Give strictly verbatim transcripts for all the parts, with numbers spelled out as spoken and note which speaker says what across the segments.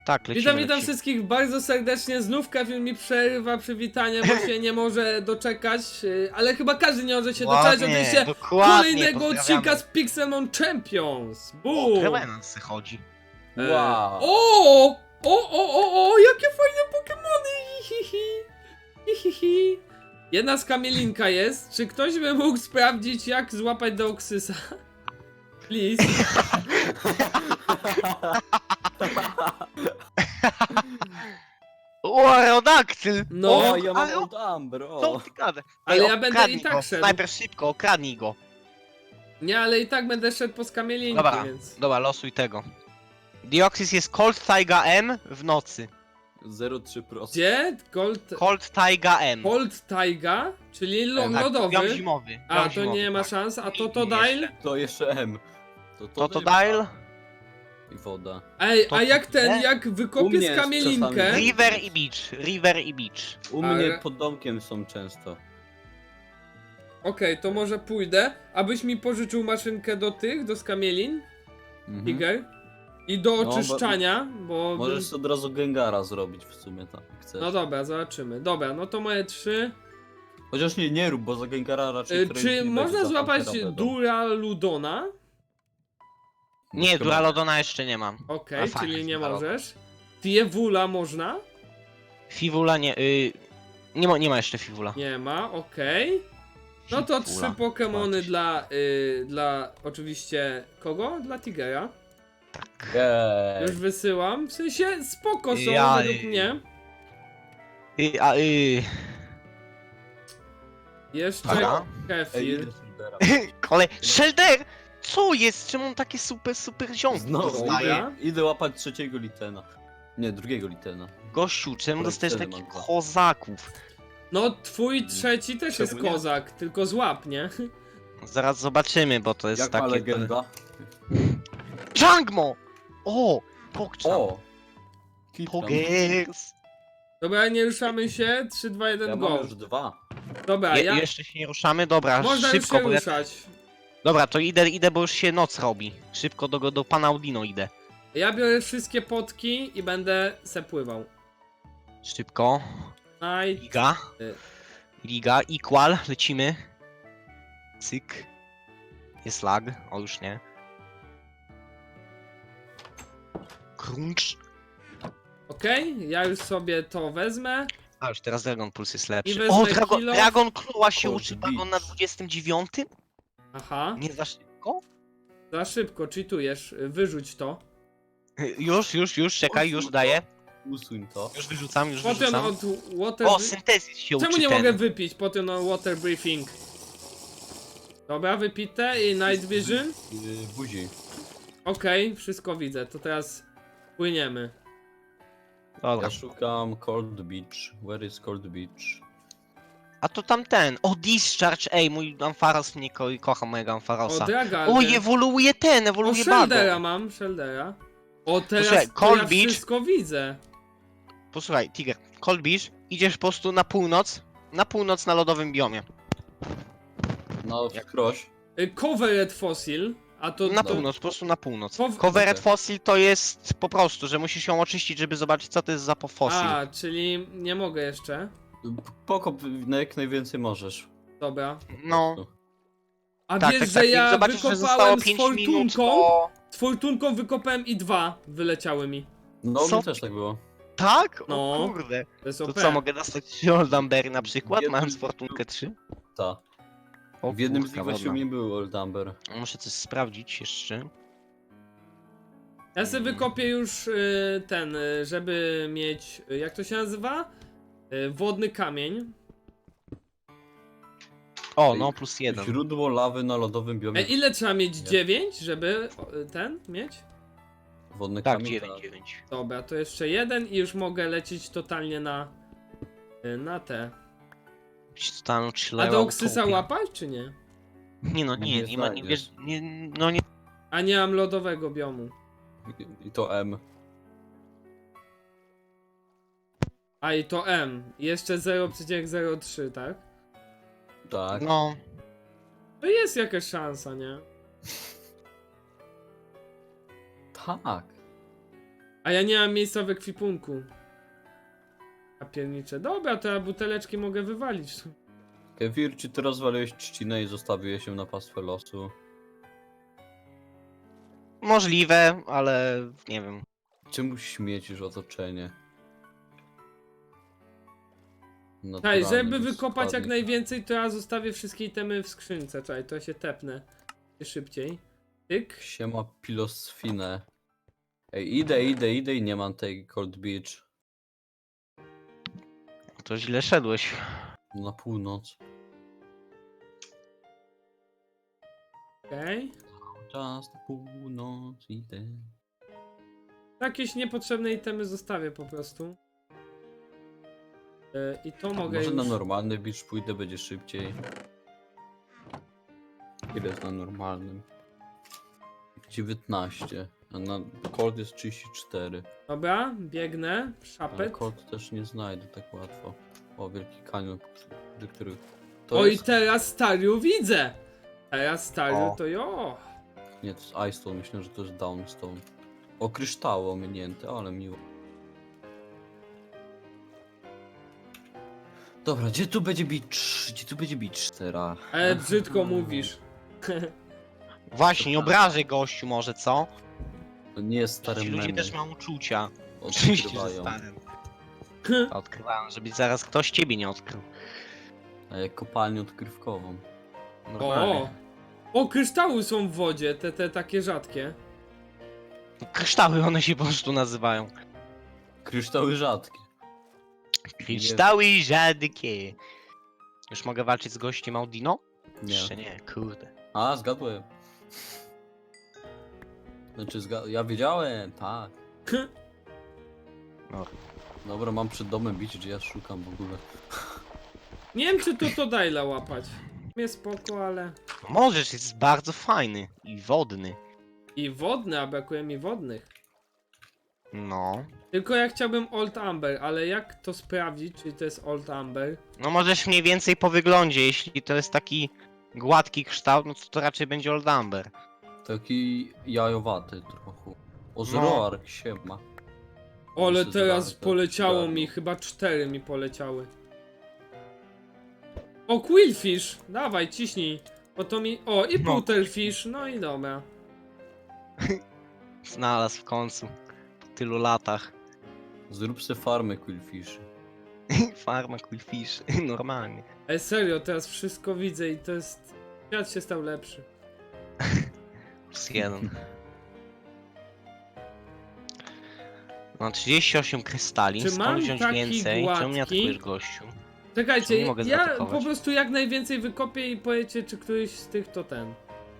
Speaker 1: Tak, lecimy,
Speaker 2: Witam, witam
Speaker 1: lecimy.
Speaker 2: wszystkich bardzo serdecznie. Znów Kevin mi przerywa przywitanie, bo się nie może doczekać. yy, Ale chyba każdy nie może się doczekać.
Speaker 1: Ładnie,
Speaker 2: Oczywiście
Speaker 1: dokładnie,
Speaker 2: kolejnego
Speaker 1: pozdrawiamy.
Speaker 2: odcinka z Pixelmon Champions.
Speaker 1: O,
Speaker 2: Boom!
Speaker 1: Trevenance chodzi.
Speaker 2: E,
Speaker 3: Wow.
Speaker 2: O! O, o, o, o! Jakie fajne Pokemony! Hihihi. Hihihi. Jedna skamielinka jest. Czy ktoś by mógł sprawdzić, jak złapać Deoxysa? Please.
Speaker 1: O, Aerodactyl!
Speaker 2: No.
Speaker 3: O, ja mam
Speaker 1: ale-
Speaker 3: Old Amber,
Speaker 1: Co
Speaker 3: o.
Speaker 1: ty gadasz?
Speaker 2: Ale
Speaker 1: Ej,
Speaker 2: ja będę
Speaker 1: okradnij
Speaker 2: i tak
Speaker 1: go.
Speaker 2: szedł.
Speaker 1: Snajper, szybko, okradnij go.
Speaker 2: Nie, ale i tak będę szedł po skamielinki,
Speaker 1: Dobra,
Speaker 2: więc...
Speaker 1: dobra, losuj tego. Deoxys jest Cold Taiga M w nocy.
Speaker 3: zero przecinek trzy procent.
Speaker 2: Gdzie? Gold...
Speaker 1: Cold Taiga M.
Speaker 2: Cold Taiga? Czyli lo
Speaker 1: Tak,
Speaker 2: lodowy?
Speaker 1: biom zimowy.
Speaker 2: A,
Speaker 1: biom
Speaker 2: to
Speaker 1: zimowy,
Speaker 2: nie ma
Speaker 1: tak.
Speaker 2: szans. A to
Speaker 1: I-
Speaker 2: to
Speaker 1: i
Speaker 2: dial?
Speaker 1: jeszcze.
Speaker 3: To jeszcze M. To
Speaker 1: To to
Speaker 3: to
Speaker 1: dial?
Speaker 3: I woda.
Speaker 2: Ej,
Speaker 1: To
Speaker 2: a jak
Speaker 1: to
Speaker 2: ten,
Speaker 1: nie?
Speaker 2: jak
Speaker 3: U
Speaker 2: wykopię
Speaker 3: mnie jest
Speaker 2: skamielinkę...
Speaker 3: czasami.
Speaker 1: River i beach, river i beach.
Speaker 3: U
Speaker 2: Ale-
Speaker 3: mnie pod domkiem są często.
Speaker 2: Okej, to może pójdę, abyś mi pożyczył maszynkę do tych, do skamielin,
Speaker 3: Mhm.
Speaker 2: Tiger. I do
Speaker 3: No, bo-
Speaker 2: oczyszczania, bo...
Speaker 3: Możesz
Speaker 2: bym-
Speaker 3: od razu Gengara zrobić w sumie tak, jak chcesz.
Speaker 2: No dobra, zobaczymy. Dobra, no to moje trzy.
Speaker 3: Chociaż nie, nie rób, bo za Gengara raczej
Speaker 2: Y,
Speaker 3: któreś
Speaker 2: Czy
Speaker 3: nie będzie,
Speaker 2: można
Speaker 3: za
Speaker 2: złapać
Speaker 3: Pampera będą.
Speaker 2: Duraludona?
Speaker 1: Nie,
Speaker 3: Chyba.
Speaker 1: Duralodona jeszcze nie mam.
Speaker 2: Okej,
Speaker 1: A fajnie,
Speaker 2: czyli nie
Speaker 1: Duraludon.
Speaker 2: możesz. Diewula można?
Speaker 1: Fivula nie, y, nie ma, nie ma jeszcze Fivula.
Speaker 2: Nie ma, okej. No to
Speaker 1: Fivula.
Speaker 2: trzy Pokemony
Speaker 1: Patrz.
Speaker 2: dla, y, dla oczywiście kogo? Dla Tigera.
Speaker 1: Tak.
Speaker 3: Jej.
Speaker 2: Już wysyłam. W sensie spoko są
Speaker 1: Ja,
Speaker 2: według
Speaker 1: y-
Speaker 2: mnie.
Speaker 1: Y, a, y,
Speaker 2: Jeszcze
Speaker 1: Dobra.
Speaker 3: Ej,
Speaker 2: Kefir.
Speaker 3: idę Silvera.
Speaker 1: kolej. Shelder! Co jest? Czemu on takie super, super ziomki
Speaker 3: Znowu
Speaker 1: dostaje?
Speaker 2: Dobra.
Speaker 3: idę, idę łapać trzeciego litena. Nie, drugiego litena.
Speaker 1: Gościu, czemu
Speaker 3: Kolej,
Speaker 1: dostajesz
Speaker 3: wtedy
Speaker 1: takich
Speaker 3: mam go.
Speaker 1: kozaków?
Speaker 2: No twój trzeci też
Speaker 3: Czemu
Speaker 2: jest
Speaker 3: nie?
Speaker 2: kozak, tylko złap, nie?
Speaker 1: Zaraz zobaczymy, bo to jest
Speaker 3: Jak ma
Speaker 1: takie...
Speaker 3: legenda?
Speaker 1: Jangmo! O! Pokczam!
Speaker 3: O! Kitram.
Speaker 1: Pogers!
Speaker 2: Dobra, nie ruszamy się. trzy, dwa, jeden,
Speaker 3: Ja mam
Speaker 2: go.
Speaker 3: już dwa.
Speaker 2: Dobra,
Speaker 1: Je,
Speaker 2: ja...
Speaker 1: Jeszcze się nie ruszamy? Dobra,
Speaker 2: Można już
Speaker 1: szybko,
Speaker 2: się
Speaker 1: bo ja...
Speaker 2: ruszać.
Speaker 1: Dobra, to idę, idę, bo już się noc robi. Szybko do, do pana Audino idę.
Speaker 2: Ja biorę wszystkie potki i będę se pływał.
Speaker 1: Szybko.
Speaker 2: Night.
Speaker 1: Liga.
Speaker 2: Y.
Speaker 1: Liga, equal, lecimy. Cyk. Jest lag, o już nie. Crunch.
Speaker 2: Okej, ja już sobie to wezmę.
Speaker 1: A już teraz Dragon Pulse jest
Speaker 2: I
Speaker 1: lepszy.
Speaker 2: wezmę
Speaker 1: O, Dragon,
Speaker 2: kilo.
Speaker 1: Dragon Claw się
Speaker 3: Cold
Speaker 1: uczy
Speaker 3: Beach.
Speaker 1: wagon na dwudziestym dziewiątym?
Speaker 2: Aha,
Speaker 1: Nie za szybko?
Speaker 2: za szybko, cheatujesz. Wyrzuć to.
Speaker 1: Już, już, już, czekaj, już daję.
Speaker 3: Usuń to.
Speaker 1: Już wyrzucam, już
Speaker 2: Potem
Speaker 1: wyrzucam.
Speaker 2: od water...
Speaker 1: O, syntezis się
Speaker 2: Czemu
Speaker 1: uczy
Speaker 2: nie
Speaker 1: ten.
Speaker 2: mogę wypić? Potem no water briefing. Dobra, wypite i night vision.
Speaker 3: Yy, buzi.
Speaker 2: Okej, wszystko widzę. To teraz płyniemy.
Speaker 1: Dobra.
Speaker 3: Ja szukam Cold Beach. Where is Cold Beach?
Speaker 1: A to tamten. O, Discharge, ej, mój Ampharos mnie ko kocha mojego
Speaker 2: O,
Speaker 1: Ampharosa.
Speaker 2: Dragalge.
Speaker 1: O, ewoluuje ten,
Speaker 2: O,
Speaker 1: ewoluuje
Speaker 2: Sheldera
Speaker 1: Bago.
Speaker 2: mam, Sheldera. O, teraz
Speaker 1: Posłuchaj,
Speaker 2: to
Speaker 1: Cold
Speaker 2: ja
Speaker 1: Beach.
Speaker 2: wszystko widzę.
Speaker 1: Posłuchaj, Tiger, Cold Beach, idziesz po prostu na północ, na północ na lodowym biomie.
Speaker 3: No,
Speaker 1: Jak-
Speaker 3: proś.
Speaker 2: Y, Covered Fossil. A to...
Speaker 1: Na
Speaker 2: to...
Speaker 1: północ, po prostu na północ.
Speaker 2: Pow-
Speaker 1: Covered
Speaker 3: Okej.
Speaker 1: Fossil to jest po prostu, że musisz ją oczyścić, żeby zobaczyć co to jest za po fossil.
Speaker 2: A, czyli nie mogę jeszcze.
Speaker 3: Pokop na jak najwięcej możesz.
Speaker 2: Dobra.
Speaker 1: No,
Speaker 2: A
Speaker 1: tak,
Speaker 2: wiesz,
Speaker 1: tak,
Speaker 2: że
Speaker 1: tak. Jak
Speaker 2: ja
Speaker 1: zobaczysz, że zostało
Speaker 2: wykopałem z
Speaker 1: pięć minut,
Speaker 2: fortunką,
Speaker 1: to...
Speaker 2: z fortunką wykopałem i dwa wyleciały mi.
Speaker 3: No,
Speaker 1: Co?
Speaker 3: mi też tak było.
Speaker 1: Tak?
Speaker 2: No.
Speaker 1: O kurde.
Speaker 2: To jest
Speaker 1: To
Speaker 2: O P.
Speaker 1: co, mogę dostać trzy Oldambery na przykład,
Speaker 3: Jednym-
Speaker 1: mając fortunkę trzy?
Speaker 3: Ta.
Speaker 1: O
Speaker 3: W jednym z
Speaker 1: kurka
Speaker 3: nich właśnie
Speaker 1: wodna.
Speaker 3: nie był Old Amber.
Speaker 1: Muszę coś sprawdzić jeszcze.
Speaker 2: Ja sobie wykopię już y, ten, y, żeby mieć, y, jak to się nazywa? Y, wodny kamień.
Speaker 1: O, no plus jeden.
Speaker 3: Źródło lawy na lodowym
Speaker 2: E,
Speaker 3: biomie.
Speaker 2: ile trzeba mieć?
Speaker 3: Nie.
Speaker 2: dziewięć, żeby o, y, ten mieć?
Speaker 3: Wodny
Speaker 1: Tak,
Speaker 3: kamień.
Speaker 1: dziewięć, dziewięć.
Speaker 2: Dobra, to jeszcze jeden i już mogę lecieć totalnie na, y, na te.
Speaker 1: Stanął
Speaker 2: A
Speaker 1: chillerował
Speaker 2: do Oksysa
Speaker 1: topie.
Speaker 2: łapać, czy nie?
Speaker 1: Nie no, nie,
Speaker 3: Nie
Speaker 1: nie ma, nie
Speaker 3: znajdziesz.
Speaker 1: wiesz, nie, no nie.
Speaker 2: A nie mam lodowego biomu.
Speaker 3: I- I to M.
Speaker 2: A i to M. Jeszcze zero przecinek zero trzy, tak?
Speaker 3: Tak.
Speaker 1: No,
Speaker 2: To jest jakaś szansa, nie?
Speaker 3: Tak.
Speaker 2: A ja nie mam miejsca w ekwipunku. A piernicze. Dobra, to ja buteleczki mogę wywalić.
Speaker 3: Kefir, czy ty rozwaliłeś trzcinę i zostawiłeś ją na pastwę losu?
Speaker 1: Możliwe, ale nie wiem.
Speaker 3: Czemu śmiecisz otoczenie?
Speaker 2: Czekaj,
Speaker 3: Naturalny
Speaker 2: żeby wykopać jak
Speaker 3: składnik.
Speaker 2: najwięcej, to ja zostawię wszystkie itemy w skrzynce. Czekaj, to się tepnę. Szybciej. Tyk.
Speaker 3: Siema pilosfinę. Ej, idę, idę, idę i nie mam tej Cold Beach.
Speaker 1: To źle szedłeś.
Speaker 3: Na północ.
Speaker 2: Okej.
Speaker 3: Czas na północ idę.
Speaker 2: Jakieś niepotrzebne itemy zostawię po prostu. Yy, I to mogę
Speaker 3: Może
Speaker 2: już...
Speaker 3: na normalny beach pójdę, będzie szybciej. Ile jest na normalnym? dziewiętnaście, a na Cold jest trzydzieści cztery.
Speaker 2: Dobra, biegnę.
Speaker 3: Ale
Speaker 2: Szapet.
Speaker 3: Cold też nie znajdę tak łatwo. O, wielki kanion, do których... To
Speaker 2: Oj,
Speaker 3: jest...
Speaker 2: teraz Stariu widzę! Teraz Stariu
Speaker 1: O.
Speaker 2: to jo.
Speaker 3: Nie, to jest Ice Stone, myślę, że to jest Downstone. O, kryształy ominięte, ale miło. Dobra, gdzie tu będzie beach? Gdzie tu będzie beach teraz?
Speaker 2: Ale brzydko mówisz.
Speaker 1: Właśnie, nie obrażaj gościu może, co?
Speaker 3: To nie jest stary
Speaker 1: Ci ludzie
Speaker 3: memy.
Speaker 1: też mają uczucia. Oczywiście, że
Speaker 3: Odkrywają.
Speaker 1: stare. Odkrywałem, żeby zaraz ktoś ciebie nie odkrył.
Speaker 3: A jak kopalnię odkrywkową.
Speaker 1: Normalnie.
Speaker 2: O! O, kryształy są w wodzie, te, te takie rzadkie.
Speaker 1: Kryształy one się po prostu nazywają.
Speaker 3: Kryształy rzadkie.
Speaker 1: Kryształy rzadkie. Już mogę walczyć z gościem Audino?
Speaker 3: Nie.
Speaker 1: Jeszcze nie, kurde.
Speaker 3: A, zgadłem. Znaczy, zga... ja wiedziałem, tak.
Speaker 1: No.
Speaker 3: Dobra, mam przed domem bić, gdzie ja szukam w ogóle.
Speaker 2: Nie wiem, czy to to dajla łapać. Mnie spoko, ale...
Speaker 1: Możesz, jest bardzo fajny i wodny.
Speaker 2: I wodny, a brakuje mi wodnych.
Speaker 1: No.
Speaker 2: Tylko ja chciałbym Old Amber, ale jak to sprawdzić, czy to jest Old Amber?
Speaker 1: No możesz mniej więcej po wyglądzie, jeśli to jest taki gładki kształt, no to, to raczej będzie Old Amber.
Speaker 3: Taki jajowaty trochę. O,
Speaker 1: No.
Speaker 3: Zoroark, siema.
Speaker 2: Ale
Speaker 3: Jeszcze
Speaker 2: teraz
Speaker 3: zgarnę,
Speaker 2: poleciało
Speaker 3: zgarnę.
Speaker 2: mi, chyba cztery mi poleciały. O, Quillfish! Dawaj, ciśnij. O to mi... O, i
Speaker 1: No.
Speaker 2: Butterfish, no i dobra.
Speaker 1: Znalazł w końcu. Po tylu latach.
Speaker 3: Zrób se farmę Quillfish.
Speaker 1: Farma Quillfish, normalnie.
Speaker 2: Ale serio, teraz wszystko widzę i to jest... Świat się stał lepszy.
Speaker 1: Plus jeden. Mam trzydzieści osiem krystali,
Speaker 2: Czy
Speaker 1: skąd
Speaker 2: mam
Speaker 1: wziąć
Speaker 2: taki
Speaker 1: więcej? Czemu nie
Speaker 2: gładki?
Speaker 1: atakujesz gościu?
Speaker 2: Czekajcie,
Speaker 1: Czemu nie mogę
Speaker 2: ja
Speaker 1: zaatakować?
Speaker 2: po prostu jak najwięcej wykopię i powiecie, czy któryś z tych to ten.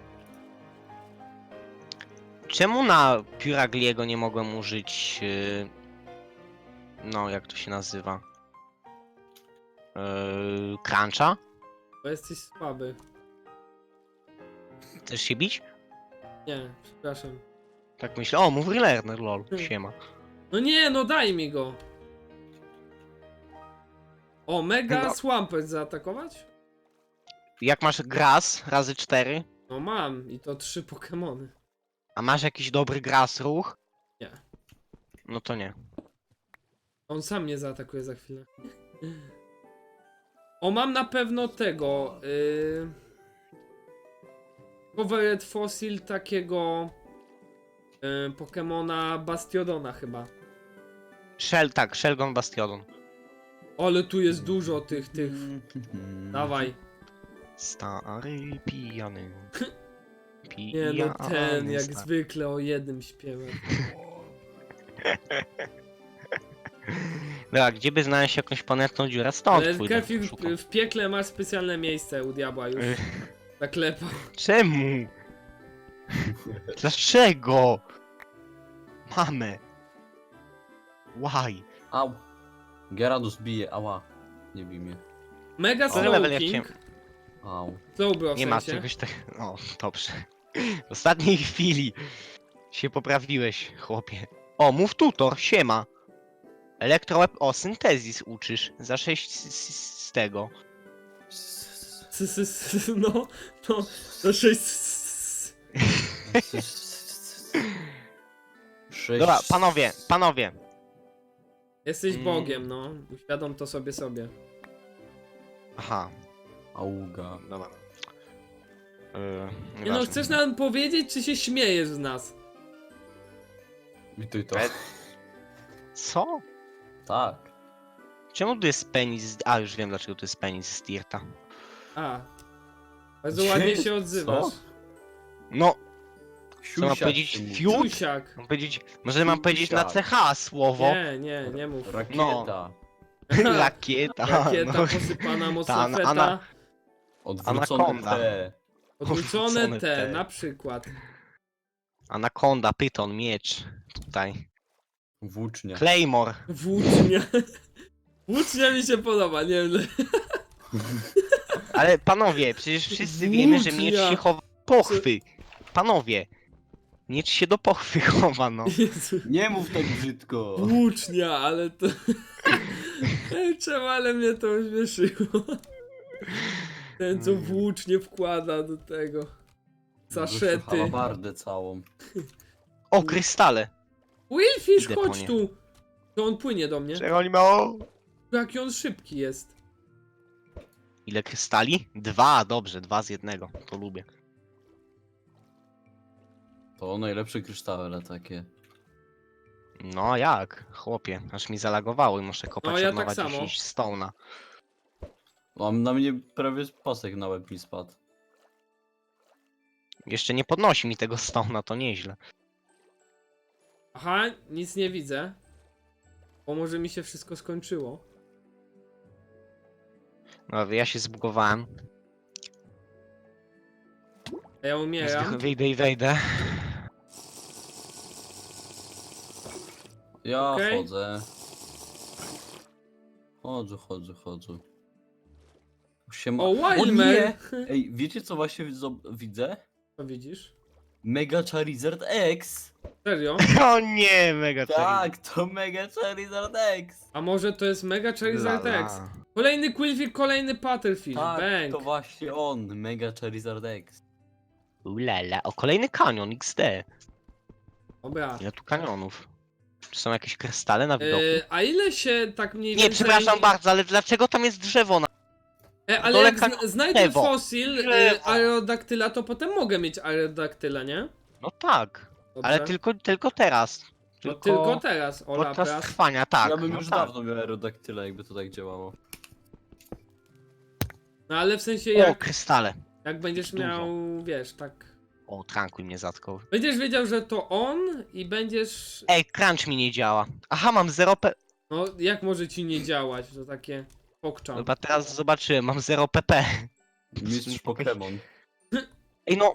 Speaker 1: Czemu na Puragliego nie mogłem użyć... Yy... No, jak to się nazywa? Yy... Cruncha?
Speaker 2: Bo jesteś słaby.
Speaker 1: Chcesz się bić?
Speaker 2: Nie, przepraszam.
Speaker 1: Tak myślę. O, move learner, lol. Siema.
Speaker 2: No nie, no daj mi go. O, Mega
Speaker 1: No.
Speaker 2: Swampert zaatakować?
Speaker 1: Jak masz Grass razy cztery,
Speaker 2: No mam i to trzy Pokemony.
Speaker 1: a masz jakiś dobry Grass ruch?
Speaker 2: Nie.
Speaker 1: No to nie.
Speaker 2: On sam mnie zaatakuje za chwilę. O, mam na pewno tego. Yy... Covered Fossil takiego yy, Pokemona Bastiodona chyba.
Speaker 1: Shell, tak, Shelgon Bastiodon.
Speaker 2: Ale tu jest dużo tych, tych. Dawaj.
Speaker 1: Stary pijany.
Speaker 2: Nie
Speaker 1: Pijany
Speaker 2: no ten, jak
Speaker 1: stary.
Speaker 2: zwykle o jednym śpiewa.
Speaker 1: Dobra, gdzie by znaleźć jakąś ponętną dziurę? Stąd
Speaker 2: Ale
Speaker 1: pójdę.
Speaker 2: Kefir,
Speaker 1: szukam.
Speaker 2: w piekle masz specjalne miejsce u diabła już. Zaklepał.
Speaker 1: Czemu? Dlaczego? Mamy. Why?
Speaker 3: Au. Gyarados bije, ała. Nie bij mnie.
Speaker 2: Mega
Speaker 1: Który level ja
Speaker 2: Slowking.
Speaker 3: Au.
Speaker 2: Slowbro w
Speaker 1: Nie ma
Speaker 2: sensie.
Speaker 1: czegoś tak... O, dobrze. W ostatniej chwili się poprawiłeś, chłopie. O, mów tutor, siema. Elektroweb... O, syntezis uczysz. Za sześć z, z, z tego.
Speaker 2: S- s- s- No, no, to sześć. s-
Speaker 3: Sześć...
Speaker 1: Dobra, panowie, panowie.
Speaker 2: Jesteś
Speaker 1: Mm.
Speaker 2: Bogiem, no. Uświadom to sobie sobie.
Speaker 1: Aha,
Speaker 3: Auga.
Speaker 1: dobra. Yy,
Speaker 2: Nie no,
Speaker 1: nieważne.
Speaker 2: chcesz nam powiedzieć, czy się śmiejesz z nas?
Speaker 3: I ty to.
Speaker 1: E- Co?
Speaker 3: Tak.
Speaker 1: Czemu tu jest penis? A, już wiem dlaczego tu jest penis z Tirta.
Speaker 2: A. Bardzo
Speaker 3: Gdzie
Speaker 2: ładnie
Speaker 3: jest?
Speaker 2: się odzywasz.
Speaker 3: Co?
Speaker 1: No, co mam
Speaker 3: Siusiak
Speaker 1: powiedzieć?
Speaker 3: się mówi.
Speaker 1: Fiut?
Speaker 2: Siusiak.
Speaker 1: Mam powiedzieć, może mam powiedzieć na
Speaker 3: Siusiak.
Speaker 1: C H słowo?
Speaker 2: Nie, nie, nie mów.
Speaker 3: Rakieta.
Speaker 1: Rakieta.
Speaker 2: Rakieta
Speaker 1: no.
Speaker 2: posypana mocno
Speaker 1: Ta,
Speaker 2: feta.
Speaker 1: ana-
Speaker 3: Odwrócone
Speaker 1: Anakonda.
Speaker 3: T.
Speaker 2: Odwrócone
Speaker 1: Odwrócone
Speaker 2: T,
Speaker 1: T.
Speaker 2: na przykład.
Speaker 1: Anakonda, pyton, miecz. Tutaj.
Speaker 3: Włócznia.
Speaker 1: Claymore.
Speaker 2: Włócznia. Włócznia mi się podoba, nie wiem.
Speaker 1: Ale panowie, przecież wszyscy wiemy, że miecz
Speaker 2: Włócznia.
Speaker 1: się chowa do pochwy. Panowie. Miecz się do pochwy chowa, no.
Speaker 2: Jezu.
Speaker 3: Nie mów tak brzydko.
Speaker 2: Włócznia, ale to... Ej, czemu, ale mnie to ośmieszyło. Ten, co włócznie wkłada do tego. Saszety.
Speaker 3: Halabardę całą.
Speaker 1: O, krystale.
Speaker 2: Willfish,
Speaker 1: Idę po
Speaker 2: chodź
Speaker 1: nie.
Speaker 2: tu! To on płynie do mnie.
Speaker 1: Geronimo.
Speaker 2: Jaki on szybki jest.
Speaker 1: Ile krystali? Dwa, dobrze, dwa z jednego. To lubię.
Speaker 3: To najlepsze kryształy takie.
Speaker 1: No jak, chłopie, aż mi zalagowało i muszę kopać
Speaker 2: No, ja
Speaker 1: od nowa
Speaker 2: tak samo.
Speaker 1: dziesięć stone'a.
Speaker 3: Mam na mnie prawie pasek na łeb mi spadł.
Speaker 1: Jeszcze nie podnosi mi tego stone'a, to nieźle.
Speaker 2: Aha, nic nie widzę. Bo może mi się wszystko skończyło.
Speaker 1: No, ja się zbugowałem.
Speaker 2: A ja umieram.
Speaker 1: Wyjdę i wejdę.
Speaker 3: Ja
Speaker 2: Okej.
Speaker 3: chodzę. Chodzę, chodzę, chodzę. Siema.
Speaker 2: O,
Speaker 3: nie!
Speaker 2: Wildmer!
Speaker 3: Ej, wiecie co właśnie zob- widzę?
Speaker 2: Co widzisz?
Speaker 3: Mega Charizard X!
Speaker 2: Serio?
Speaker 1: O nie, mega
Speaker 3: Tak, to Mega Charizard X!
Speaker 2: A może to jest Mega Charizard
Speaker 1: Lala.
Speaker 2: X? Kolejny Quillfish, kolejny Pattlefish.
Speaker 3: Tak,
Speaker 2: Bang!
Speaker 3: to właśnie on, Mega Charizard X.
Speaker 1: Ulala, o kolejny kanion X D.
Speaker 2: Dobra.
Speaker 1: Ile tu kanionów? Czy są jakieś krystale na widoku?
Speaker 2: E, a ile się tak mniej
Speaker 1: Nie,
Speaker 2: więcej...
Speaker 1: przepraszam bardzo, ale dlaczego tam jest drzewo na...
Speaker 2: E, ale
Speaker 1: dole
Speaker 2: jak
Speaker 1: kanion-
Speaker 2: zna znajdę
Speaker 1: drzewo.
Speaker 2: fosil e,
Speaker 1: Drzewo.
Speaker 2: aerodaktyla, to potem mogę mieć aerodaktyla, nie?
Speaker 1: No tak,
Speaker 2: Dobrze.
Speaker 1: ale tylko, tylko teraz.
Speaker 2: No tylko teraz, Ola,
Speaker 1: podczas
Speaker 2: teraz.
Speaker 1: trwania, tak.
Speaker 3: ja bym
Speaker 1: no
Speaker 3: już
Speaker 1: tak.
Speaker 3: dawno miał aerodaktyla, jakby to tak działało.
Speaker 2: No ale w sensie
Speaker 1: O,
Speaker 2: jak,
Speaker 1: krystale.
Speaker 2: jak będziesz
Speaker 1: dużo.
Speaker 2: miał, wiesz, tak...
Speaker 1: O, trankuj mnie zatkał.
Speaker 2: Będziesz wiedział, że to on i będziesz...
Speaker 1: Ej, crunch mi nie działa. Aha, mam zero P...
Speaker 2: No jak może ci nie działać, to takie pokczam.
Speaker 1: Chyba teraz zobaczyłem, mam zero P P.
Speaker 3: Mistrz Pokémon.
Speaker 1: Ej no,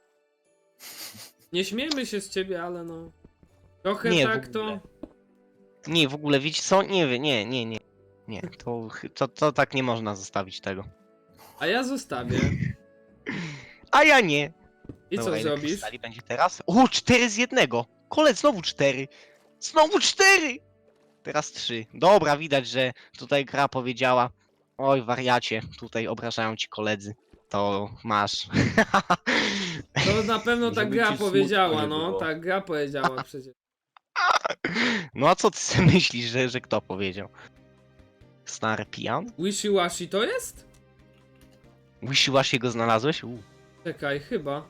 Speaker 2: Nie śmiejmy się z ciebie, ale no... Trochę
Speaker 1: Nie, w
Speaker 2: tak to...
Speaker 1: ogóle. nie, w ogóle, wiecie co? Nie wiem, nie, nie, nie. Nie, to, chy- to, to tak nie można zostawić tego.
Speaker 2: A ja zostawię.
Speaker 1: A ja nie.
Speaker 2: I
Speaker 1: Dobra,
Speaker 2: co
Speaker 1: ile
Speaker 2: zrobisz?
Speaker 1: krystali będzie teraz? O, cztery z jednego. Kole, znowu cztery. Znowu cztery. Teraz trzy. Dobra, widać, że tutaj gra powiedziała. Oj, wariacie, tutaj obrażają ci koledzy. To masz.
Speaker 2: To na pewno ta
Speaker 3: Żeby
Speaker 2: gra
Speaker 3: ci smutno
Speaker 2: powiedziała,
Speaker 3: nie
Speaker 2: no.
Speaker 3: było.
Speaker 2: Ta gra powiedziała przecież.
Speaker 1: No a co ty sobie myślisz, że, że kto powiedział? Stary pijan?
Speaker 2: Wishy-washy to jest?
Speaker 1: Wishy go znalazłeś? U.
Speaker 2: Czekaj, chyba.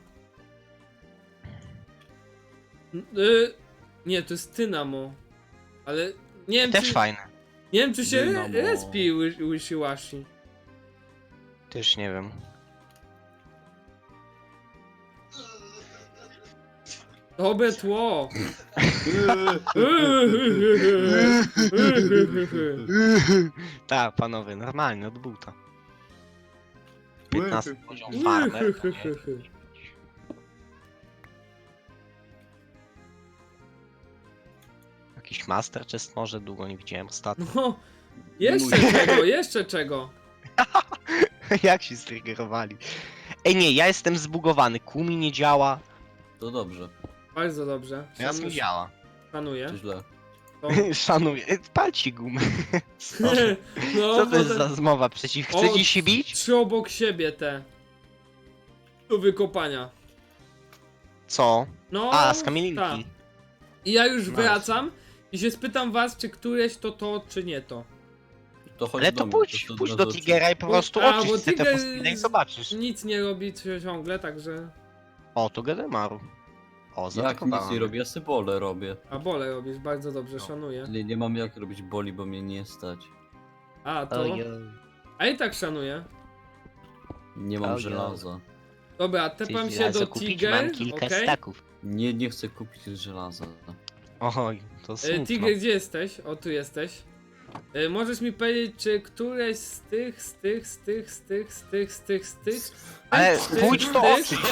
Speaker 2: N- Y nie, to jest Tynamo. Ale nie wiem,
Speaker 1: Też
Speaker 2: czy,
Speaker 1: fajne.
Speaker 2: nie wiem, czy się
Speaker 3: Dynamo.
Speaker 2: respi Wish- Wishy-washy.
Speaker 1: Też nie wiem.
Speaker 2: Dobre tło.
Speaker 1: Tak, panowie, normalnie, od buta. piętnasty poziom farmer. to nie- Jakiś master chest może? Długo nie widziałem ostatnio.
Speaker 2: No, jeszcze czego, jeszcze czego.
Speaker 1: Jak się striggerowali. Ej nie, ja jestem zbugowany, Kumi nie działa.
Speaker 3: To dobrze,
Speaker 2: Bardzo dobrze.
Speaker 1: Teraz mi działa.
Speaker 2: Szanuję.
Speaker 3: czy źle?
Speaker 2: To...
Speaker 1: Szanuję. Ej, Palci gumę. Co,
Speaker 2: No,
Speaker 1: co to jest
Speaker 2: potem-
Speaker 1: za zmowa przeciw?
Speaker 2: O,
Speaker 1: Chcecie się bić?
Speaker 2: Trzy obok siebie te. Do wykopania.
Speaker 1: Co?
Speaker 2: No,
Speaker 1: A, z kamieninki.
Speaker 2: tak. I ja już
Speaker 1: Nice.
Speaker 2: wracam i się spytam was, czy któreś to to, czy nie to.
Speaker 3: To chodź
Speaker 1: Ale
Speaker 3: do
Speaker 1: to
Speaker 3: mnie,
Speaker 1: pójdź,
Speaker 3: to od
Speaker 1: pójdź
Speaker 3: razu
Speaker 1: do
Speaker 3: oczy-
Speaker 1: Tigera i po
Speaker 2: Bo-
Speaker 1: prostu
Speaker 2: a, bo
Speaker 1: oczyść te
Speaker 2: Tiger
Speaker 1: fossile i zobaczysz.
Speaker 2: Nic nie robi ciągle, także...
Speaker 1: O, to Gedemaru. O,
Speaker 3: Jak nic
Speaker 1: zaatakowałem.
Speaker 3: nie robię, ja sobie bole robię.
Speaker 2: A bole robisz, bardzo dobrze,
Speaker 1: No.
Speaker 2: szanuję.
Speaker 3: Nie, nie mam jak robić boli, bo mnie nie stać.
Speaker 2: A, to...
Speaker 1: Ojej.
Speaker 2: A i tak szanuję.
Speaker 3: Nie mam
Speaker 1: Ojej.
Speaker 3: żelaza.
Speaker 2: Dobra,
Speaker 1: Chcesz
Speaker 2: tepam się
Speaker 1: żelazo
Speaker 2: do
Speaker 1: kupić?
Speaker 2: Tiger,
Speaker 1: Mam kilka
Speaker 2: okej?
Speaker 1: staków.
Speaker 3: Nie, nie chcę kupić żelaza.
Speaker 1: Oj, to
Speaker 2: E,
Speaker 1: smutno.
Speaker 2: Tiger, gdzie jesteś? O, tu jesteś. E, możesz mi powiedzieć, czy któreś z tych, z tych, z tych, z tych, z tych, z tych, z tych...
Speaker 1: Ale
Speaker 2: z tych,
Speaker 1: pójdź
Speaker 2: z
Speaker 1: to
Speaker 2: tych-
Speaker 1: oczyść.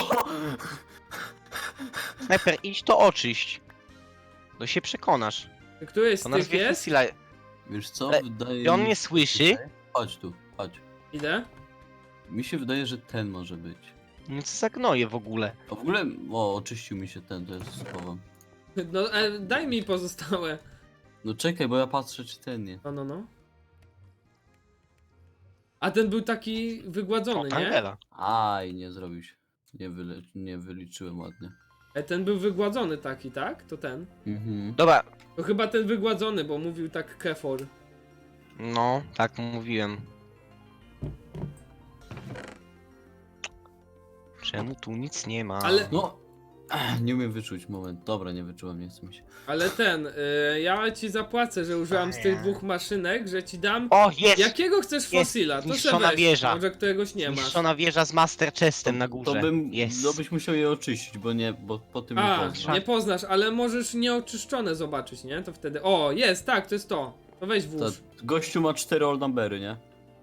Speaker 1: Snajper, idź to oczyść. To się przekonasz.
Speaker 2: Któreś z
Speaker 1: To
Speaker 2: tych
Speaker 1: nazwie
Speaker 2: jest?
Speaker 1: fossila.
Speaker 3: Wiesz co?
Speaker 1: Ale-
Speaker 3: Wydaje
Speaker 1: I on
Speaker 3: mi
Speaker 1: mnie
Speaker 3: się-
Speaker 1: słyszy?
Speaker 3: Chodź tu, chodź.
Speaker 2: Idę.
Speaker 3: Mi się wydaje, że ten może być.
Speaker 1: No co za gnoje w ogóle.
Speaker 3: A w ogóle, o, oczyścił mi się ten, to jest słowo.
Speaker 2: No, e, daj mi pozostałe.
Speaker 3: No czekaj, bo ja patrzę, czy ten nie.
Speaker 2: No, no, no. A ten był taki
Speaker 1: O,
Speaker 2: wygładzony, nie?
Speaker 1: Tangela.
Speaker 3: Aj, nie zrobił się. Nie, wyle... nie wyliczyłem ładnie.
Speaker 2: E, ten był wygładzony taki, tak? To ten.
Speaker 3: Mhm.
Speaker 1: Dobra,
Speaker 2: To chyba ten wygładzony, bo mówił tak Kefor.
Speaker 1: no, tak mówiłem. Czemu tu nic nie ma?
Speaker 2: Ale-
Speaker 3: No, nie umiem wyczuć, moment. Dobra, nie wyczułem, nie chcę mi się.
Speaker 2: Ale ten, y, ja ci zapłacę, że użyłam z tych dwóch maszynek, że ci dam...
Speaker 1: O, jest!
Speaker 2: Jakiego chcesz
Speaker 1: Jest
Speaker 2: fossila? To se
Speaker 1: zniszczona
Speaker 2: weź,
Speaker 1: wieża.
Speaker 2: może któregoś nie masz.
Speaker 1: Zniszczona wieża z Master Chestem na
Speaker 3: To
Speaker 1: górze.
Speaker 3: bym,
Speaker 1: Jest.
Speaker 3: to byś musiał je oczyścić, bo nie, bo po tym nie
Speaker 2: A,
Speaker 3: poznasz.
Speaker 2: nie poznasz, ale możesz nieoczyszczone zobaczyć, nie? To wtedy... O, jest, tak, to jest to. To weź
Speaker 3: Ta,
Speaker 2: włóż.
Speaker 3: gościu ma cztery old numbery, nie?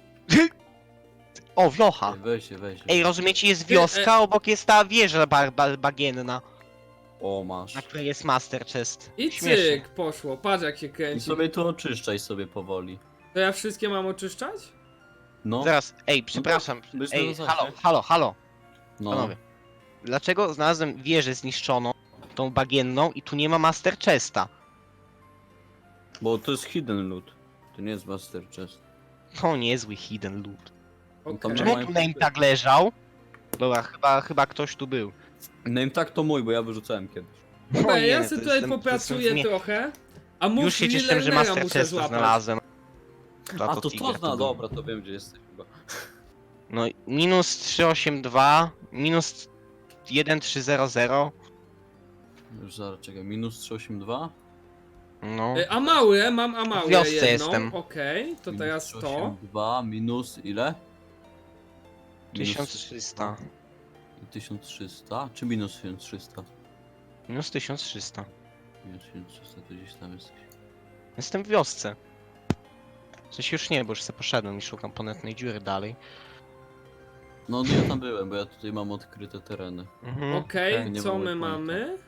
Speaker 1: O, wiocha!
Speaker 3: Ej, weź się, weź się.
Speaker 1: Ej, rozumiecie, jest
Speaker 2: Ty,
Speaker 1: wioska,
Speaker 2: e-
Speaker 1: obok jest ta wieża bar, bar, bagienna,
Speaker 3: O, masz.
Speaker 1: na której jest Master Chest.
Speaker 2: I
Speaker 1: Śmiesznie.
Speaker 2: cyk, poszło, patrz jak się
Speaker 3: I
Speaker 2: kręci.
Speaker 3: sobie to oczyszczaj sobie powoli.
Speaker 2: To ja wszystkie mam oczyszczać?
Speaker 3: No,
Speaker 1: Zaraz, ej, przepraszam.
Speaker 3: byś
Speaker 1: Ej,
Speaker 3: na zasadzie.
Speaker 1: halo, halo, halo,
Speaker 3: no.
Speaker 1: panowie. Dlaczego znalazłem wieżę zniszczoną, tą bagienną i tu nie ma Master Chesta?
Speaker 3: Bo to jest hidden loot. To nie jest master chest.
Speaker 1: To niezły hidden loot.
Speaker 2: Okej.
Speaker 3: Tam
Speaker 1: Czemu
Speaker 3: mają-
Speaker 1: tu name tag leżał? Dobra, chyba, chyba ktoś tu był.
Speaker 3: Name tak to mój, bo ja wyrzucałem kiedyś.
Speaker 2: Dobra,
Speaker 1: O nie,
Speaker 2: ja
Speaker 1: to
Speaker 2: sobie tutaj
Speaker 1: jestem- to
Speaker 2: popracuję
Speaker 1: jestem w nie-
Speaker 2: trochę. A mów
Speaker 1: Już się cieszę, że
Speaker 2: Millenera
Speaker 1: Master
Speaker 2: muszę
Speaker 1: Chest
Speaker 2: złapać.
Speaker 1: znalazłem. Za
Speaker 3: A to to
Speaker 1: Tiger
Speaker 3: zna,
Speaker 1: był.
Speaker 3: dobra, to wiem gdzie jesteś chyba.
Speaker 1: No, minus trzysta osiemdziesiąt dwa, minus tysiąc trzysta zero.
Speaker 3: Już zaraz czekaj, minus trzysta osiemdziesiąt dwa?
Speaker 1: No,
Speaker 2: Y, Amaurę, mam Amaurę
Speaker 1: W wiosce
Speaker 2: jedną,
Speaker 1: jestem.
Speaker 2: okej, to
Speaker 3: Minus
Speaker 2: teraz
Speaker 3: trzysta
Speaker 2: to.
Speaker 3: osiemdziesiąt dwa minus ile? Minus-
Speaker 1: tysiąc trzysta.
Speaker 3: i tysiąc trzysta? Czy minus tysiąc trzysta?
Speaker 1: Minus tysiąc trzysta.
Speaker 3: Minus tysiąc trzysta to gdzieś tam jesteś.
Speaker 1: Jestem w wiosce. W sensie już nie, bo już sobie poszedłem i szukam ponetnej dziury dalej.
Speaker 3: No ja tam byłem, bo ja tutaj mam odkryte tereny.
Speaker 1: Mhm.
Speaker 2: Okej,
Speaker 3: nie
Speaker 2: co
Speaker 3: mam
Speaker 2: my
Speaker 3: waypointa.
Speaker 2: mamy?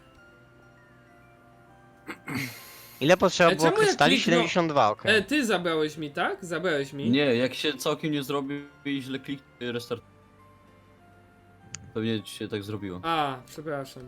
Speaker 1: Ile potrzeba
Speaker 2: E,
Speaker 1: było
Speaker 2: czemu ja
Speaker 1: krystali?
Speaker 2: kliknął-
Speaker 1: siedemdziesiąt dwa, okej.
Speaker 2: E, ty zabrałeś mi, tak? Zabrałeś mi?
Speaker 3: Nie, jak się całkiem nie zrobi i źle kliknie restart. Pewnie ci się tak zrobiło.
Speaker 2: A, przepraszam.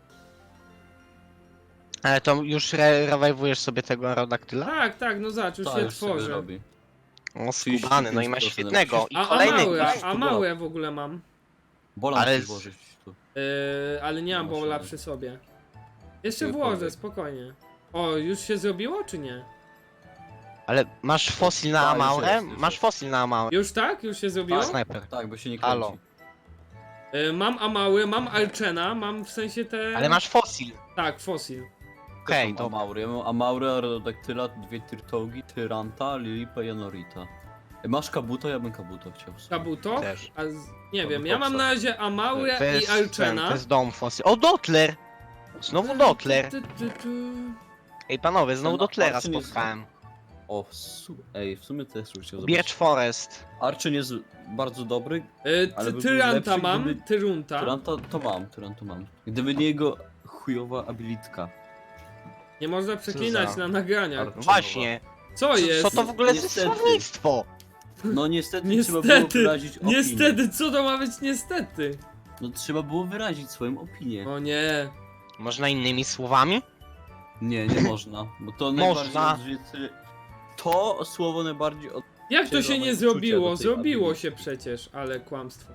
Speaker 1: Ale to już re rewajwujesz sobie tego Aerodactyla?
Speaker 2: Tak, tak, no zobacz, już
Speaker 3: Tak,
Speaker 2: się
Speaker 3: już sobie
Speaker 2: tworzy.
Speaker 3: robi.
Speaker 1: O, skubany, no i ma
Speaker 3: trzydzieści pięć
Speaker 1: świetnego.
Speaker 3: procent.
Speaker 1: I
Speaker 2: A, a
Speaker 1: kolejny.
Speaker 2: małe,
Speaker 3: musisz
Speaker 2: a
Speaker 3: tu
Speaker 2: małe w ogóle mam.
Speaker 3: Bola
Speaker 1: Ale
Speaker 3: musisz
Speaker 1: z-
Speaker 3: włożyć tu.
Speaker 2: Yy, ale nie mam
Speaker 3: Nie
Speaker 2: bola
Speaker 3: masz
Speaker 2: przy sobie. Jeszcze
Speaker 3: Ty
Speaker 2: włożę,
Speaker 3: powiedz.
Speaker 2: spokojnie. O, już się zrobiło, czy nie?
Speaker 1: Ale masz fosil na
Speaker 3: A, już
Speaker 1: Amaurę?
Speaker 3: jest, już
Speaker 1: Masz
Speaker 3: jest.
Speaker 1: fosil na Amaurę.
Speaker 2: Już tak? Już się zrobiło?
Speaker 1: O, snajper.
Speaker 3: Tak, bo się nie
Speaker 1: Halo.
Speaker 3: kręci.
Speaker 2: Yy, mam Amały, mam Archena, mam w sensie te...
Speaker 1: Ale masz fosil.
Speaker 2: Tak, Fossil.
Speaker 1: Okej,
Speaker 3: Okay,
Speaker 1: dobra.
Speaker 3: Amaury. Ja mam Amaurę, Aerodactyla, dwie Tyrtogi, Tyranta, Lilipa i Anorita. E, Masz Kabuto? Ja bym Kabuto chciał. w sumie.
Speaker 2: Kabuto?
Speaker 1: Też.
Speaker 2: A z... Nie
Speaker 3: Albo
Speaker 2: wiem, ja mam
Speaker 3: Foxa.
Speaker 2: na razie Amaurę
Speaker 1: To
Speaker 2: i
Speaker 1: jest, ten,
Speaker 2: Archena.
Speaker 1: to jest dom fosil. O, Dotler! Znowu Dotler.
Speaker 2: Tu, tu, tu, tu.
Speaker 1: Ej, panowie, znowu
Speaker 3: Ten
Speaker 1: Dotlera
Speaker 3: Archyn jest-
Speaker 1: spotkałem.
Speaker 3: O, w su... Ej, w sumie też już chciał
Speaker 1: Birch Forest.
Speaker 3: Archyn jest bardzo dobry.
Speaker 2: Yy,
Speaker 3: Ale
Speaker 2: ty-
Speaker 3: by był
Speaker 2: Tyranta
Speaker 3: lepszy,
Speaker 2: mam,
Speaker 3: gdyby-
Speaker 2: Tyrunta.
Speaker 3: Tyranta to mam, Tyranta mam. Gdyby nie jego chujowa abilitka.
Speaker 2: Nie można przeklinać
Speaker 3: za-
Speaker 2: na nagraniach.
Speaker 3: Ar-
Speaker 1: No właśnie.
Speaker 2: Co
Speaker 1: Co,
Speaker 2: jest?
Speaker 1: co to w ogóle za
Speaker 3: Niestety.
Speaker 1: słownictwo?
Speaker 3: No niestety, trzeba było
Speaker 2: Niestety,
Speaker 3: wyrazić opinię.
Speaker 2: niestety, co to ma być niestety?
Speaker 3: No trzeba było wyrazić swoją opinię.
Speaker 2: O nie.
Speaker 1: Można innymi słowami?
Speaker 3: Nie, nie można, bo to
Speaker 1: Można.
Speaker 3: najbardziej odżyty... To słowo najbardziej od...
Speaker 2: Jak to się
Speaker 3: Czerwone
Speaker 2: nie
Speaker 3: uczucia
Speaker 2: zrobiło?
Speaker 3: do tej
Speaker 2: Zrobiło
Speaker 3: ability.
Speaker 2: się przecież, ale kłamstwo.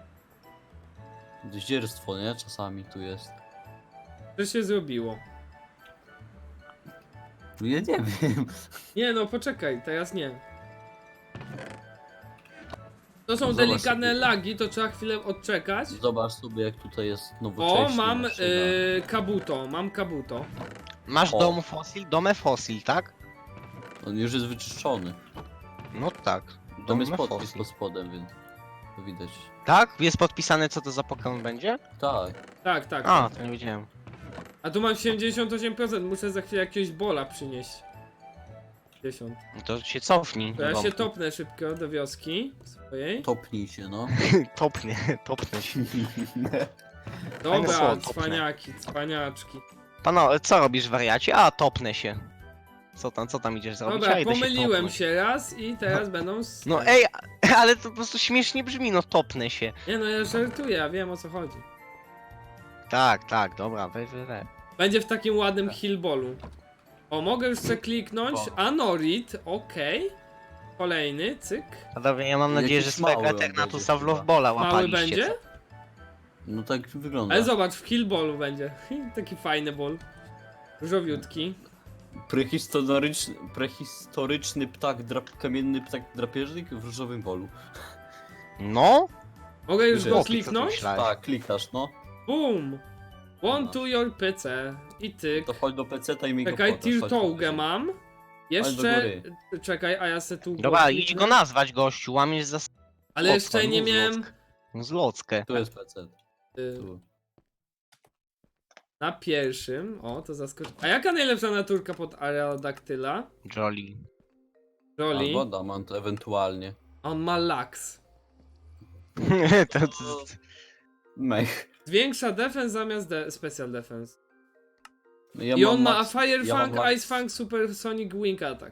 Speaker 3: Zdzierstwo, nie? Czasami tu jest.
Speaker 2: To się zrobiło.
Speaker 3: No ja nie wiem.
Speaker 2: Nie no, poczekaj, teraz nie. To są
Speaker 3: Zobacz
Speaker 2: delikatne
Speaker 3: sobie.
Speaker 2: lagi, to trzeba chwilę odczekać.
Speaker 3: Zobacz sobie jak tutaj jest nowocześnie.
Speaker 2: O, mam
Speaker 3: maszyna.
Speaker 2: y, kabuto, mam kabuto.
Speaker 1: Masz
Speaker 3: O.
Speaker 1: dom fosil, domę fosil, tak?
Speaker 3: On już jest wyczyszczony.
Speaker 1: No tak.
Speaker 3: Tam jest
Speaker 1: Domę
Speaker 3: podpis
Speaker 1: fosil.
Speaker 3: pod spodem, więc to widać.
Speaker 1: Tak? Jest podpisane co to za Pokémon będzie?
Speaker 3: Tak.
Speaker 2: Tak, tak.
Speaker 1: A, to nie wiedziałem.
Speaker 2: A tu mam siedemdziesiąt osiem procent, muszę za chwilę jakiegoś bola przynieść. pięćdziesiąt.
Speaker 1: No to się cofnij.
Speaker 2: To ja
Speaker 1: do
Speaker 2: się
Speaker 1: domku.
Speaker 2: topnę szybko do wioski swojej.
Speaker 3: Topnij się, no.
Speaker 1: Topnie, topnę się.
Speaker 2: Dobra,
Speaker 1: słowo, topnę.
Speaker 2: cwaniaki, cwaniaczki.
Speaker 1: Pano, co robisz wariacie? A, topnę się. Co tam, co tam idziesz zrobić?
Speaker 2: Dobra,
Speaker 1: A, idę się
Speaker 2: pomyliłem
Speaker 1: topnąć.
Speaker 2: się raz i teraz będą... s-
Speaker 1: No ej, ale to po prostu śmiesznie brzmi, no topnę się.
Speaker 2: Nie no, ja żartuję, ja wiem o co chodzi.
Speaker 1: Tak, tak, dobra, weź, weź, weź.
Speaker 2: Będzie w takim ładnym hillballu. O, mogę już sobie kliknąć.
Speaker 3: O.
Speaker 2: Anorit, okej. Kolejny, cyk.
Speaker 1: A dobra, ja mam nadzieję,
Speaker 3: Jakiś
Speaker 1: że swojego
Speaker 3: mały on
Speaker 1: Eternatusa w
Speaker 3: będzie
Speaker 1: Lovebola
Speaker 2: Mały
Speaker 1: łapaliście.
Speaker 2: będzie?
Speaker 1: co?
Speaker 3: No tak wygląda.
Speaker 2: Ale zobacz, w hillballu będzie. Taki fajny ball. Różowiutki.
Speaker 3: Prehistoryczny, prehistoryczny ptak, drap, kamienny ptak drapieżnik w różowym polu.
Speaker 1: No?
Speaker 2: Mogę już
Speaker 3: Że
Speaker 2: go
Speaker 3: jest,
Speaker 1: co ty
Speaker 2: kliknąć?
Speaker 1: myślałeś?
Speaker 3: Tak, klikasz, no.
Speaker 2: Boom! One to your P C. I tyk.
Speaker 3: To chodź do peceta i mi go
Speaker 2: Czekaj,
Speaker 3: podasz, chodź
Speaker 2: Tirtougę
Speaker 3: podasz.
Speaker 2: mam.
Speaker 3: do
Speaker 2: Jeszcze...
Speaker 3: góry.
Speaker 2: Czekaj, a ja se tu...
Speaker 1: Dobra,
Speaker 2: go
Speaker 1: idź
Speaker 2: kliknę.
Speaker 1: go nazwać, gościu, łamiesz za...
Speaker 2: Ale jeszcze nie miałem...
Speaker 1: Zlockę.
Speaker 3: Tu jest pecet.
Speaker 2: y,
Speaker 3: Tu.
Speaker 2: Na pierwszym. O, to zaskoczy. A jaka najlepsza naturka pod Aerodactyla?
Speaker 1: Jolly.
Speaker 2: Jolly.
Speaker 3: Albo Damant ewentualnie.
Speaker 2: On ma laks.
Speaker 1: to, to,
Speaker 3: Mech.
Speaker 2: Zwiększa defense zamiast de special defense.
Speaker 3: No ja
Speaker 2: I on
Speaker 3: mam
Speaker 2: ma
Speaker 3: max-
Speaker 2: Fire
Speaker 3: ja mam
Speaker 2: Fang,
Speaker 3: max-
Speaker 2: Ice Fang, Supersonic Wing Attack.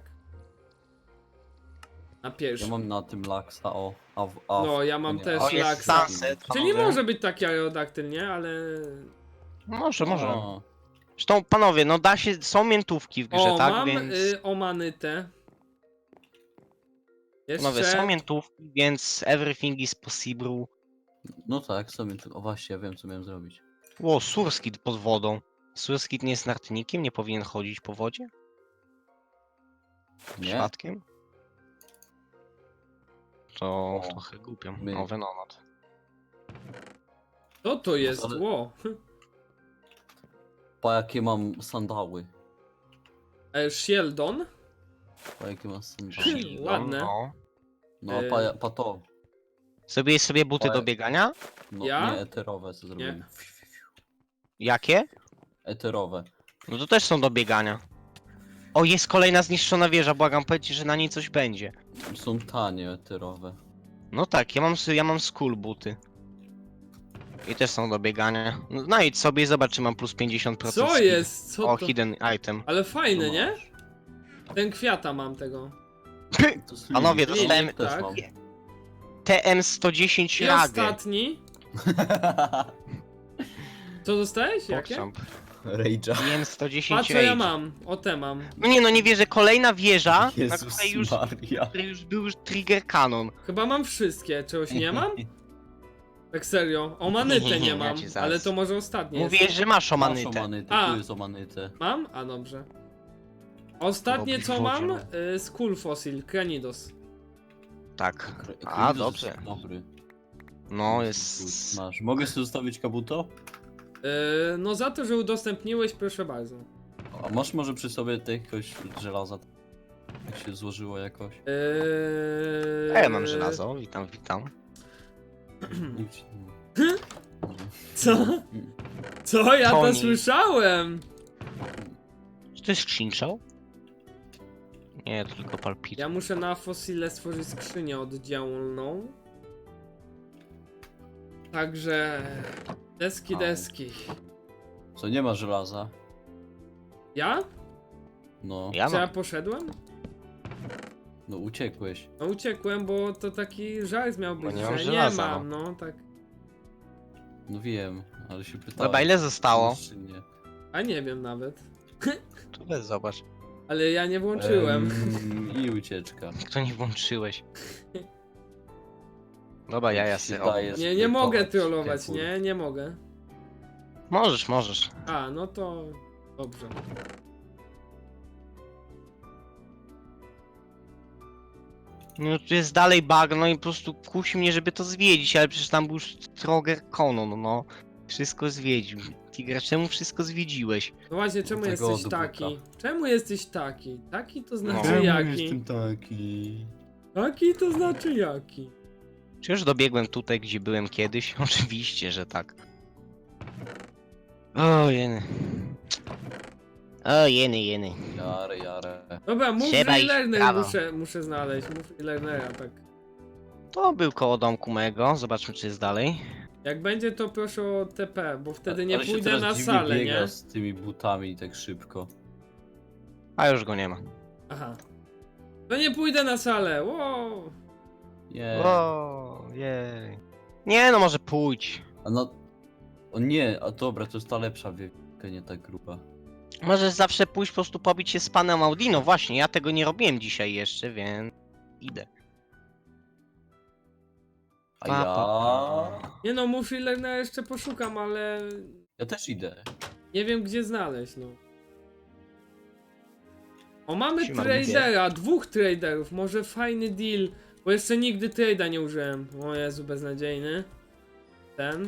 Speaker 2: Na
Speaker 3: Ja
Speaker 2: pierwszym.
Speaker 3: mam na tym laksa, o. A, w- a, w-
Speaker 2: No, ja mam
Speaker 3: nie,
Speaker 2: też
Speaker 3: a-
Speaker 1: o, jest
Speaker 2: laksa.
Speaker 1: sunset,
Speaker 2: Czyli
Speaker 1: panowie.
Speaker 2: może być taki Aerodactyl, nie? Ale...
Speaker 1: Może, może.
Speaker 3: O,
Speaker 1: Zresztą, panowie, no da się, są miętówki w grze,
Speaker 2: O,
Speaker 1: tak?
Speaker 2: mam
Speaker 1: Więc...
Speaker 2: y, omanytę.
Speaker 1: Panowie, są
Speaker 2: Jeszcze...
Speaker 1: miętówki, więc everything is possible.
Speaker 3: No tak, sobie tu. O właśnie, ja wiem co miałem zrobić.
Speaker 1: O, Surskit pod wodą. Surskit nie jest nartnikiem, nie powinien chodzić po wodzie?
Speaker 3: Nie?
Speaker 1: Przypadkiem? To
Speaker 3: O,
Speaker 1: trochę głupio.
Speaker 3: my-
Speaker 1: O, Venonat.
Speaker 2: Co to jest?
Speaker 3: Ale-
Speaker 2: Ło.
Speaker 3: Pa jakie mam sandały.
Speaker 2: E, Sheldon.
Speaker 3: Pa jakie mam sandały.
Speaker 2: Hmm, ładne.
Speaker 1: No.
Speaker 3: No a
Speaker 2: E,
Speaker 3: pa, pa to.
Speaker 1: Zrobiłeś sobie buty
Speaker 3: Ale-
Speaker 1: do biegania?
Speaker 3: No
Speaker 2: Ja?
Speaker 3: nie, eterowe co zrobiłem.
Speaker 1: Jakie?
Speaker 3: Eterowe.
Speaker 1: No to też są do biegania. O, jest kolejna zniszczona wieża, błagam, powiedzcie, że na niej coś będzie.
Speaker 3: Są tanie eterowe.
Speaker 1: No tak, ja mam, s- ja mam school buty. I też są do biegania. No, znajdź sobie i zobacz, czy mam plus pięćdziesiąt procent
Speaker 2: Co
Speaker 1: speed.
Speaker 2: jest? Co
Speaker 1: O,
Speaker 2: to?
Speaker 1: hidden item.
Speaker 2: Ale fajny,
Speaker 3: No
Speaker 2: nie?
Speaker 3: masz.
Speaker 2: Ten kwiata mam tego.
Speaker 3: To jest
Speaker 1: Panowie,
Speaker 3: Lilith,
Speaker 1: dostałem-
Speaker 3: Lilith też
Speaker 2: tak.
Speaker 3: mam.
Speaker 1: T M sto dziesięć
Speaker 2: I
Speaker 1: Ragę.
Speaker 2: ostatni. Co dostałeś? Jakie?
Speaker 1: Pogchamp.
Speaker 3: Rage'a.
Speaker 1: T M sto dziesięć
Speaker 2: A co ja
Speaker 1: Rage.
Speaker 2: mam? O te mam.
Speaker 1: No nie, no nie wierzę, kolejna wieża, na
Speaker 3: Jezus
Speaker 1: której już,
Speaker 3: Maria.
Speaker 1: której już był już trigger cannon.
Speaker 2: Chyba mam wszystkie. Czegoś nie mam? Tak serio. Omanytę nie
Speaker 1: Ja
Speaker 2: mam.
Speaker 1: ci zaraz-
Speaker 2: Ale to może ostatnie jest.
Speaker 1: Mówiłeś, że masz
Speaker 3: Masz
Speaker 1: omanytę.
Speaker 3: omanytę,
Speaker 2: A.
Speaker 3: tu jest omanytę.
Speaker 2: Mam? A dobrze. Ostatnie
Speaker 1: Robisz
Speaker 2: co mam?
Speaker 1: wodzie,
Speaker 2: Y, Skull Fossil, Kranidos.
Speaker 1: Tak.
Speaker 3: Kre-
Speaker 1: A,
Speaker 3: Kryzys
Speaker 1: dobrze.
Speaker 3: jest Dobry.
Speaker 1: No jest...
Speaker 3: Masz. Mogę sobie zostawić kabuto?
Speaker 2: Y, no za to, że udostępniłeś, proszę bardzo.
Speaker 3: A masz może przy sobie jakiegoś żelaza? Jak się złożyło jakoś?
Speaker 2: Yy...
Speaker 1: A ja mam żelazo, witam, witam.
Speaker 2: Co? Co? Ja to
Speaker 1: Toni.
Speaker 2: słyszałem!
Speaker 1: Czy to jest skrzynczał? Nie, to tylko palpit.
Speaker 2: Ja muszę na fosile stworzyć skrzynię oddzielną. Także... Deski,
Speaker 3: Au.
Speaker 2: deski.
Speaker 3: Co, nie ma żelaza?
Speaker 2: Ja?
Speaker 3: No,
Speaker 1: Ja
Speaker 2: Czy ja
Speaker 1: mam.
Speaker 2: poszedłem?
Speaker 3: no uciekłeś.
Speaker 2: No uciekłem, bo to taki żart miał
Speaker 1: Bo
Speaker 2: być,
Speaker 1: nie mam
Speaker 2: że nie
Speaker 1: żelaza,
Speaker 2: mam, no tak.
Speaker 3: No wiem, ale się pytałem.
Speaker 1: Dobra, ile zostało?
Speaker 3: Czy nie?
Speaker 2: A nie wiem nawet.
Speaker 1: Tu weź zobacz.
Speaker 2: Ale ja nie włączyłem.
Speaker 3: Em, I ucieczka.
Speaker 1: Kto nie włączyłeś? Dobra, ja ja
Speaker 3: Jak się
Speaker 1: sobie
Speaker 3: daje
Speaker 1: robię.
Speaker 2: Nie, nie mogę
Speaker 3: zbytować,
Speaker 2: trollować,
Speaker 3: Kefur.
Speaker 2: nie, nie mogę.
Speaker 1: Możesz, możesz.
Speaker 2: A, no to... Dobrze.
Speaker 1: No tu jest dalej bagno i po prostu kusi mnie, żeby to zwiedzić, ale przecież tam był już Stroger Conan, no. Wszystko zwiedził. Tiger, czemu wszystko zwiedziłeś?
Speaker 2: No właśnie, czemu
Speaker 3: Tego
Speaker 2: jesteś
Speaker 3: odbyka.
Speaker 2: taki? Czemu jesteś taki? Taki to znaczy
Speaker 1: Czemu
Speaker 2: jaki?
Speaker 3: taki?
Speaker 2: Taki to znaczy jaki?
Speaker 1: Czy już dobiegłem tutaj, gdzie byłem kiedyś? Oczywiście, że tak. O jeny. O jeny, jeny.
Speaker 3: Jarę, jarę.
Speaker 2: Dobra, mów
Speaker 1: Trzeba iść w
Speaker 2: Learner
Speaker 1: prawo.
Speaker 2: muszę, muszę znaleźć. Mów Learnera, tak.
Speaker 1: To był koło domku mego, zobaczmy czy jest dalej.
Speaker 2: Jak będzie, to proszę o T P, bo wtedy nie
Speaker 3: Ale się
Speaker 2: pójdę
Speaker 3: teraz
Speaker 2: na
Speaker 3: dziwnie
Speaker 2: salę,
Speaker 3: biega
Speaker 2: nie?
Speaker 3: z tymi butami tak szybko.
Speaker 1: A już go nie ma.
Speaker 2: Aha. To nie pójdę na salę, wow.
Speaker 3: Nie.
Speaker 1: O, jej. Nie no, może pójdź.
Speaker 3: A no... O nie, a dobra, to jest ta lepsza wielka, nie tak gruba.
Speaker 1: Możesz zawsze pójść po prostu pobić się z panem Audino. Właśnie, ja tego nie robiłem dzisiaj jeszcze, więc idę.
Speaker 3: A
Speaker 1: Pa,
Speaker 3: ja...
Speaker 1: pa,
Speaker 2: Nie no, mów Learnera jeszcze poszukam, ale
Speaker 3: Ja też idę.
Speaker 2: nie wiem gdzie znaleźć, no. O, mamy
Speaker 1: Siema,
Speaker 2: tradera, dwóch traderów, może fajny deal, bo jeszcze nigdy trade'a nie użyłem. O Jezu, beznadziejny. Ten.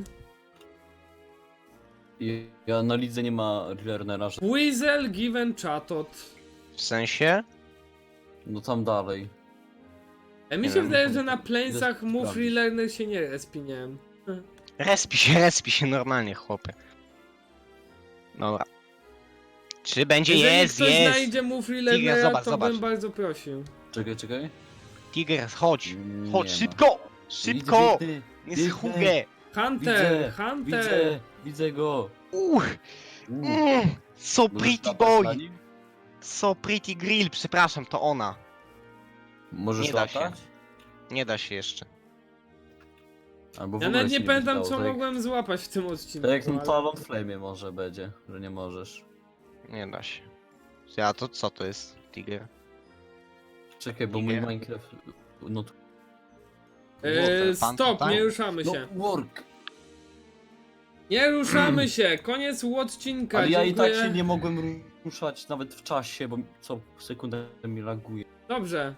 Speaker 3: I ja na lidze nie ma Learnera, że...
Speaker 2: Weasel given chatot.
Speaker 1: W sensie?
Speaker 3: No tam dalej.
Speaker 2: E, mi
Speaker 1: Nie
Speaker 2: się
Speaker 1: wiem,
Speaker 2: wydaje,
Speaker 3: to-
Speaker 2: że na planesach
Speaker 3: idę
Speaker 2: move
Speaker 3: sprawdzić.
Speaker 2: Learner się nie respi, nie wiem.
Speaker 1: Respi się, respi się normalnie, chłopie. Dobra. Czy będzie?
Speaker 2: Jeżeli
Speaker 1: Jest,
Speaker 2: ktoś
Speaker 1: jest!
Speaker 2: znajdzie move
Speaker 1: Tiger,
Speaker 2: Learnera,
Speaker 1: zobacz,
Speaker 2: to
Speaker 1: zobacz.
Speaker 2: bym bardzo prosił.
Speaker 3: Czekaj, czekaj.
Speaker 1: Tiger, chodź!
Speaker 3: Nie
Speaker 1: Chodź,
Speaker 3: ma.
Speaker 1: szybko! Szybko!
Speaker 3: Widzę,
Speaker 1: Nie
Speaker 3: widzę,
Speaker 1: schugę!
Speaker 2: Hunter,
Speaker 3: Widzę,
Speaker 2: Hunter!
Speaker 3: widzę, widzę go.
Speaker 1: Uch!
Speaker 3: Mm.
Speaker 1: Mm, so
Speaker 3: Możesz
Speaker 1: pretty
Speaker 3: latać na
Speaker 1: boy!
Speaker 3: nim?
Speaker 1: So pretty grill, przepraszam, to ona.
Speaker 3: Możesz
Speaker 1: Nie da się.
Speaker 3: latać?
Speaker 1: Nie da się jeszcze.
Speaker 3: Albo w
Speaker 2: Ja
Speaker 3: ogóle
Speaker 2: nawet
Speaker 3: się
Speaker 2: nie pamiętam
Speaker 3: dało,
Speaker 2: co
Speaker 3: tak jak-
Speaker 2: mogłem złapać w tym odcinku.
Speaker 3: Tak jak na
Speaker 2: ale-
Speaker 3: Talon Flame może będzie, że nie możesz.
Speaker 1: Nie da się. A to co to jest, Tiger?
Speaker 3: Czekaj, bo mój
Speaker 1: Tiger?
Speaker 3: Minecraft... No tu...
Speaker 2: Eee,
Speaker 1: Pan
Speaker 2: stop,
Speaker 1: tutaj?
Speaker 2: nie ruszamy
Speaker 3: No,
Speaker 2: się.
Speaker 3: work!
Speaker 2: Nie ruszamy się, koniec odcinka,
Speaker 3: Ale ja i
Speaker 2: dziękuję.
Speaker 3: tak się nie mogłem ruszać nawet w czasie, bo co sekundę mi laguje.
Speaker 2: Dobrze.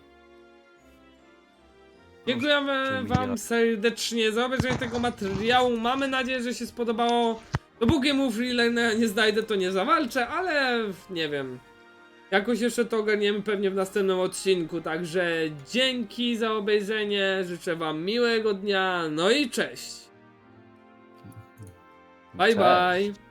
Speaker 2: Dziękujemy
Speaker 3: Czy mi
Speaker 2: wam
Speaker 3: nie-
Speaker 2: serdecznie za obejrzenie tego materiału. Mamy nadzieję, że się spodobało. Dopóki mu freelanera nie znajdę, to nie zawalczę, ale nie wiem. Jakoś jeszcze to ogarniemy pewnie w następnym odcinku. Także dzięki za obejrzenie. Życzę wam miłego dnia. No i cześć. Bye
Speaker 3: Cześć.
Speaker 2: bye.